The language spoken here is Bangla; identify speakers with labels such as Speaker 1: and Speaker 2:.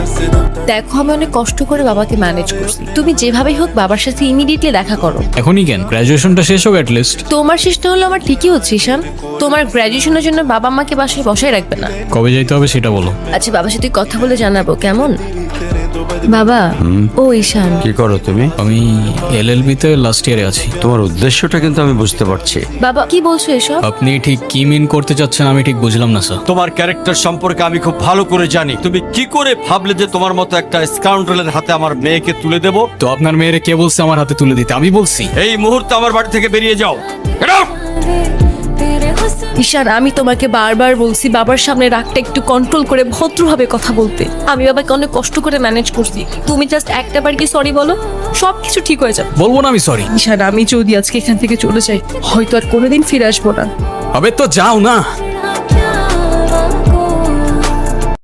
Speaker 1: দেখো আমি অনেক কষ্ট করে বাবাকে ম্যানেজ করছি, তুমি যেভাবেই হোক বাবার সাথে ইমিডিয়েটলি দেখা করো।
Speaker 2: এখনই কেন? গ্র্যাজুয়েশনটা শেষ হোক অ্যাট লিস্ট।
Speaker 1: তোমার শেষটা হলো আমার ঠিকই হচ্ছে ঈশান, তোমার গ্র্যাজুয়েশনের জন্য বাবা মাকে বাসায় বসায় রাখবে না।
Speaker 2: কবে যাইতে হবে সেটা বলো।
Speaker 1: আচ্ছা বাবার সাথে কথা বলে জানাবো কেমন। বাবা ও ঈশান,
Speaker 3: কি করো তুমি?
Speaker 2: আমি এলএলবি তে লাস্ট ইয়ারে আছি।
Speaker 3: তোমার উদ্দেশ্যটা কিন্তু আমি বুঝতে পারছি।
Speaker 1: বাবা কি বলছো এসব?
Speaker 2: আপনি ঠিক কি মিন করতে চাচ্ছেন আমি ঠিক বুঝলাম না স্যার।
Speaker 3: তোমার ক্যারেক্টার সম্পর্কে আমি খুব ভালো করে জানি। তুমি কি করে ভাবলে যে তোমার মতো একটা স্কাউন্ডারের হাতে আমার মেয়েকে তুলে দেব?
Speaker 2: তো আপনার মেয়েরে কে বলছে আমার হাতে তুলে দিতে? আমি বলছি।
Speaker 3: এই মুহূর্তে আমার বাড়ি থেকে বেরিয়ে যাও। Get out!
Speaker 1: ঈশান আমি তোমাকে বারবার বলছি বাবার সামনে রাগটা একটু কন্ট্রোল করে ভদ্রভাবে কথা বলতে। আমি বাবাকে অনেক কষ্ট করে ম্যানেজ করছি, তুমি জাস্ট একটা বার কি সরি বলো, সবকিছু ঠিক হয়ে যাবে।
Speaker 2: বলবো না আমি সরি।
Speaker 1: ঈশান আমি যদি আজকে এখান থেকে চলে যাই হয়তো আর কোনোদিন ফিরে আসবো না।
Speaker 2: আবে তো যাও না।